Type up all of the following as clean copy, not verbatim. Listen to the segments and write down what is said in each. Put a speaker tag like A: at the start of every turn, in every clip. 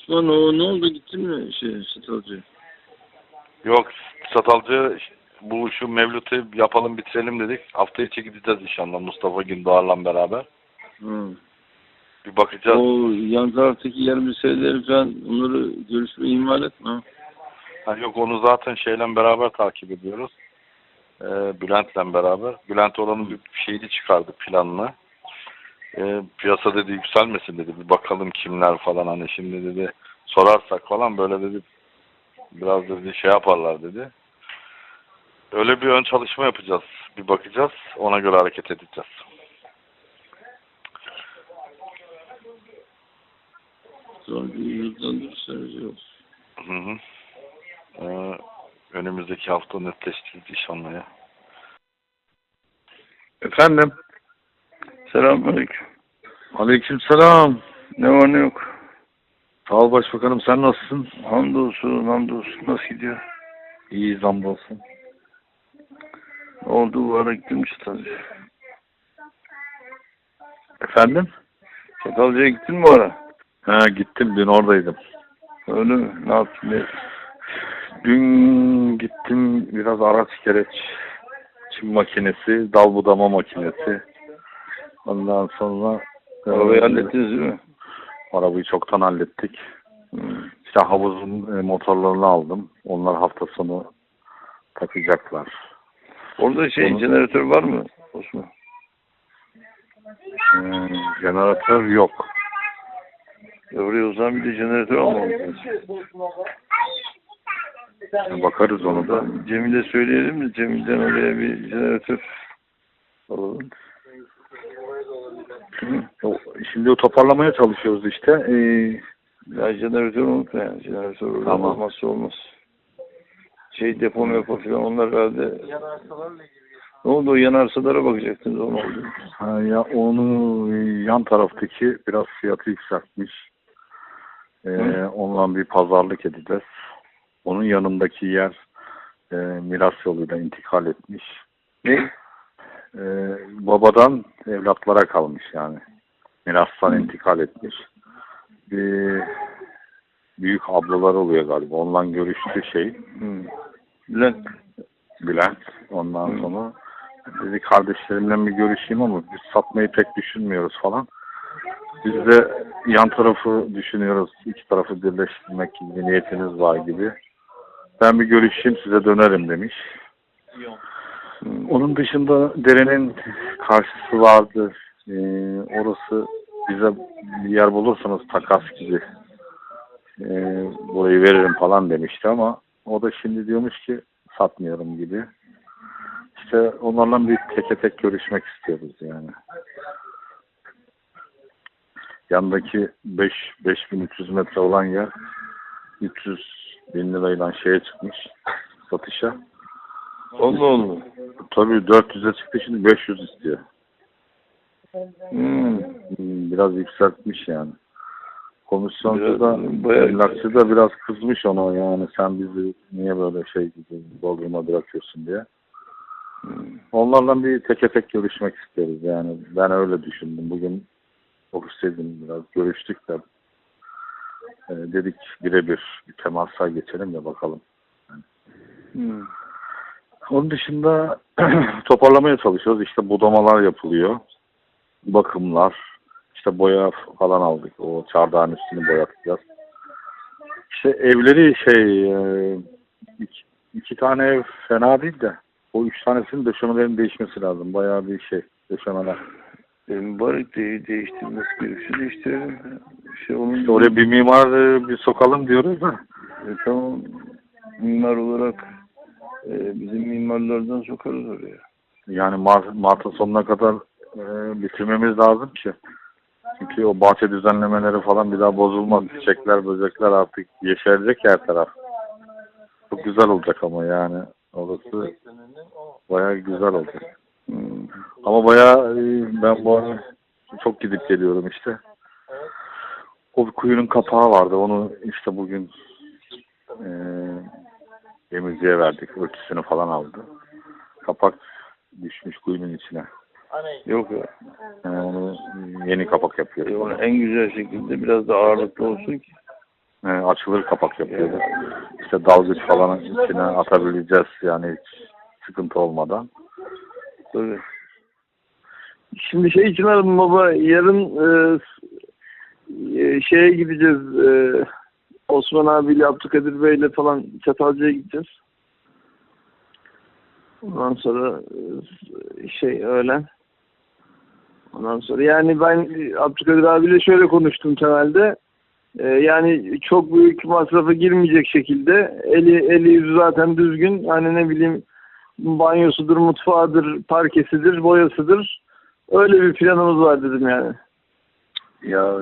A: Osman o ne oldu, gittin mi Satalcı?
B: Yok, Satalcı bu şu Mevlüt'ü yapalım bitirelim dedik. Hafta içi gideceğiz inşallah Mustafa Gündoğar'la beraber.
A: Hı.
B: Bir bakacağız.
A: O yan taraftaki yer meseleleri falan, onları görüşmeyi ihmal etme.
B: Ha, yok, onu zaten şeyle beraber takip ediyoruz. Bülent'le beraber. Bülent oranın bir şeyini çıkardı, planını. Piyasa dedi yükselmesin dedi. Bir bakalım kimler falan, hani şimdi dedi sorarsak falan böyle dedi biraz dedi şey yaparlar dedi. Öyle bir ön çalışma yapacağız. Bir bakacağız. Ona göre hareket edeceğiz.
A: Sonra bir hızlandırırsanız iyi olur.
B: Hı hı. Önümüzdeki hafta netleştirdik inşallah ya.
A: Efendim?
C: Selamünaleyküm.
A: Aleykümselam.
C: Ne var ne yok.
A: Sağ ol başbakanım, sen nasılsın?
C: Hamdolsun, hamdolsun. Nasıl gidiyor?
A: İyi, hamdolsun.
C: Ne oldu bu ara gittin mi Çatalca'ya?
A: Efendim?
C: Çatalca'ya gittin mi bu ara?
A: Ha, gittim, dün oradaydım.
C: Öyle mi? Ne yaptın? Ne?
A: Dün gittim, biraz araç gereç, çim makinesi, dal budama makinesi. Ondan sonra
C: Arabayı hallettiniz değil mi?
A: arabayı çoktan hallettik.
C: Hmm.
A: İşte havuzun motorlarını aldım. Onlar hafta sonu takacaklar.
C: Orada jeneratör var mı Osman?
A: Jeneratör yok.
C: Oraya o zaman bir de jeneratör almamız lazım.
A: Bakarız onu da.
C: Cemil'e söyleyelim de Cemil'den oraya bir jeneratör alalım.
A: Şimdi o toparlamaya çalışıyoruz işte.
C: Ya jeneratör unutma yani. Jeneratör orada
A: Tamam.
C: olmazsa olmaz. Depo mepo falan onlar herhalde. Ne oldu, o yanarsalara bakacaktınız, o ne oldu?
A: Ha, ya onu yan taraftaki biraz fiyatı yükseltmiş. Onunla bir pazarlık edeceğiz. Onun yanındaki yer miras yoluyla intikal etmiş.
C: Ne?
A: Babadan evlatlara kalmış yani. Mirastan intikal etmiş. Bir büyük ablalar oluyor galiba. Onunla görüştü Bülent. Ondan sonra dedi kardeşlerimle bir görüşeyim ama biz satmayı pek düşünmüyoruz falan. Biz de yan tarafı düşünüyoruz. İki tarafı birleştirmek gibi bir niyetiniz var gibi. Ben bir görüşeyim, size dönerim demiş. Onun dışında derenin karşısı vardı. Orası bize bir yer bulursanız takas gibi burayı veririm falan demişti ama o da şimdi diyormuş ki satmıyorum gibi. İşte onlarla bir teke tek görüşmek istiyoruz yani. Yandaki 5300 metre olan yer 300.000 lirayla şeye çıkmış satışa.
C: Allah Allah.
A: Tabii 400'e çıktı, şimdi 500 istiyor. Biraz yükseltmiş yani. Komisyoncu da, emlakçı da biraz kızmış ona, yani sen bizi niye böyle gibi doldurma bırakıyorsun diye. Onlarla bir teke tek görüşmek isteriz yani. Ben öyle düşündüm. Bugün ofisteydim, biraz görüştük de dedik birebir bir temasa geçelim de bakalım. Onun dışında toparlamaya çalışıyoruz. İşte budamalar yapılıyor. Bakımlar. İşte boya falan aldık. O çardağın üstünü boyatacağız. İşte evleri iki tane ev fena değil de o 3 tanesinin döşemelerin değişmesi lazım. Bayağı bir döşemeler.
C: Mübarek değiştirmesi gerekiyor. Değiştirelim.
A: İşte oraya bir mimar bir sokalım diyoruz da.
C: Tamam. Mimar olarak bizim mimarlardan sokarız oraya.
A: Yani Mart'ın sonuna kadar bitirmemiz lazım ki. Çünkü o bahçe düzenlemeleri falan bir daha bozulmaz. Çiçekler, böcekler artık yeşerecek her taraf. Çok güzel olacak ama yani. Orası bayağı güzel olacak. Ama bayağı ben bu ara çok gidip geliyorum işte. O bir kuyunun kapağı vardı. Onu işte bugün temizliğe verdik. Örtüsünü falan aldı. Kapak düşmüş kuyunun içine.
C: Yok ya.
A: Onu yeni kapak yapıyoruz.
C: Onu en güzel şekilde biraz da ağırlıklı olsun ki.
A: açılır kapak yapıyoruz. İşte dalgıç falan içine atabileceğiz yani hiç sıkıntı olmadan.
C: Tabii. Şimdi şey için aradım baba, yarın şeye gideceğiz, Osman abiyle Abdülkadir Bey'le falan Çatalca'ya gideceğiz. Ondan sonra öğlen. Ondan sonra yani ben Abdülkadir abiyle şöyle konuştum temelde. Yani çok büyük masrafa girmeyecek şekilde eli yüzü zaten düzgün. Hani ne bileyim banyosudur, mutfağıdır, parkesidir, boyasıdır. Öyle bir planımız var dedim yani.
D: Ya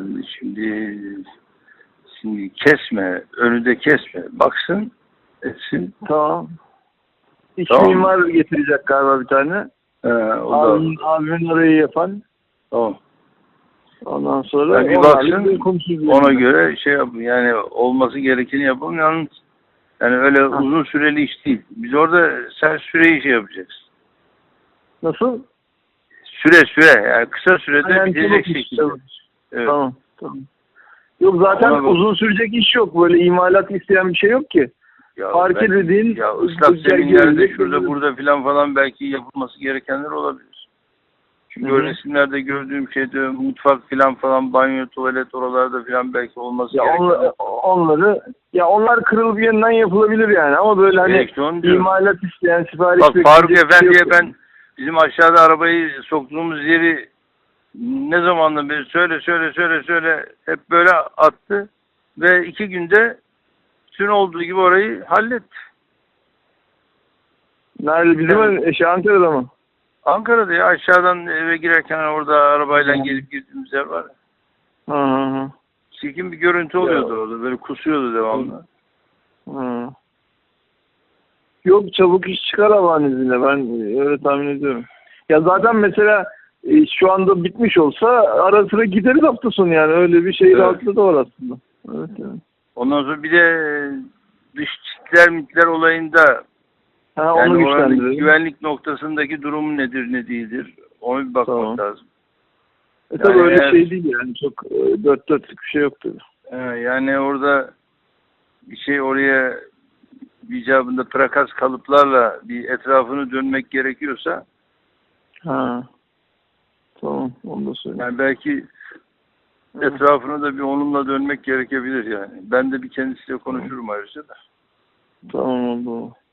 D: şimdi kesme, önü de kesme. Baksın, etsin.
C: Tamam. İç
D: Tamam.
C: mimar getirecek galiba bir tane.
D: O da
C: Abimin orayı yapan.
D: tamam.
C: Ondan sonra
D: Yani bir
C: onlarla
D: baksın,
C: konuşuruz
D: ona
C: yani.
D: göre şey yapın. Yani olması gerekeni yapalım. Yalnız yani öyle uzun süreli iş değil. Biz orada sen süreyi şey yapacaksın.
C: Nasıl?
D: Süre. Yani kısa sürede
C: Yani
D: bitecek
C: çabuk iş,
D: şekilde.
C: çabuk.
D: Evet.
C: Tamam. Yok zaten
D: Ona bak.
C: uzun sürecek iş yok. Böyle imalat isteyen bir şey yok ki.
D: Ya
C: Parke dediğin
D: ya ıslak
C: güzel
D: zeminlerde
C: gelecek,
D: şurada
C: güzel.
D: burada falan belki yapılması gerekenler olabilir. Çünkü
C: Hı hı.
D: o resimlerde gördüğüm şeyde mutfak falan banyo, tuvalet oralarda falan belki olması
C: Ya
D: gerekenler.
C: onlar kırılıp yeniden yapılabilir yani ama böyle hani
D: Elektron diyorum.
C: imalat isteyen sipariş
D: Bak
C: bekleyecek
D: Faruk
C: bir şey
D: Efendi'ye
C: yok
D: ben bizim aşağıda arabayı soktuğumuz yeri ne zamandan beri söyle hep böyle attı ve 2 günde bütün olduğu gibi orayı halletti.
C: Nerede? Bizim Ankara'da mı?
D: Ankara'da ya aşağıdan eve girerken orada arabayla gelip girdiğimiz yer var.
C: Hı.
D: Çirkin bir görüntü oluyordu orada. Böyle kusuyordu devamlı.
C: Hı. Yok çabuk iş çıkar Allah'ın izniyle. Ben öyle tahmin ediyorum. Ya zaten mesela şu anda bitmiş olsa ara sıra gideriz hafta sonu yani. Öyle bir şey
D: Evet.
C: rahatlığı da var aslında. Evet yani.
D: Ondan sonra bir de dış mitler olayında
C: Ha, onu
D: yani oranın
C: güçlendirelim.
D: güvenlik noktasındaki durumu nedir ne değildir onu bir bakmak
C: Tamam.
D: lazım.
C: Tabii
D: Yani
C: öyle
D: eğer-
C: şey değil yani. Çok dört dörtlük bir şey yok tabii.
D: Yani orada bir şey oraya icabında prakas kalıplarla bir etrafını dönmek gerekiyorsa
C: Ha. Tamam. Onu da söyleyeyim.
D: yani belki etrafını da bir onunla dönmek gerekebilir yani. Ben de bir kendisiyle konuşurum ayrıca da.
C: Tamam oldu.